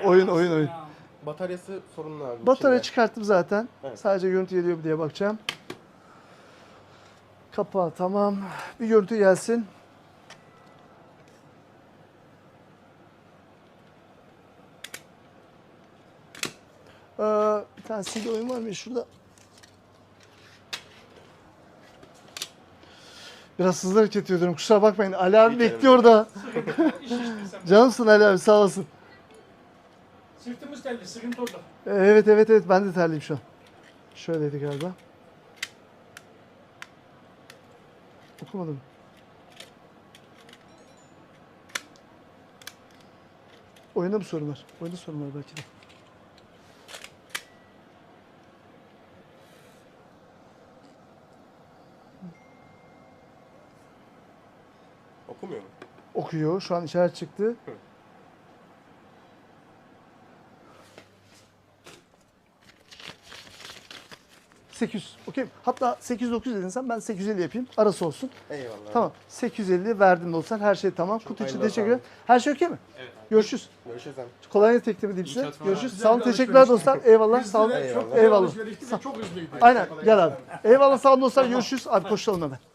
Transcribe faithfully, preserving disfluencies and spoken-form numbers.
oyun oyun oyun. Bataryası sorunlu abi. Batarya içinde. çıkarttım zaten. Evet. Sadece görüntü geliyor mu diye bakacağım. Kapağı tamam. Bir görüntü gelsin. Ee, bir tane C D oyun var mı şurada? Biraz hızlı hareket ediyorum. Kusura bakmayın. Ali abi Hiç bekliyor da. İş işte sen. Canımsın Ali abi, sağ olasın. Sırtımız telli, sıkıntı orada. Evet evet evet, ben de terliyim şu an. Şöyleydi galiba. Okumadım. Oyunda mı sorun var? Oyunda sorun var belki de. Okumuyor mu? Okuyor. Şu an işaret çıktı. sekiz yüz. Okey. Hatta sekiz yüz dokuz yüz dedin sen, ben sekiz yüz elli yapayım. Arası olsun. Eyvallah. Tamam. sekiz yüz elli verdim de olsan, her şey tamam. Kutu için hayırlı teşekkür olsun ederim. Her şey okey mi? Evet. Görüşürüz. Görüşürüz abi. Kolay gelsin, teklif edeyim size. çalışmalar. Görüşürüz. Güzel Sağ olun. bir Teşekkürler alışverişti. dostlar. Eyvallah. Sağ olun. Eyvallah. Eyvallah. Alışverişti ve çok hızlıydı. Aynen. Gel abi. Eyvallah, sağ olun dostlar. Görüşürüz. Abi koşalım hemen.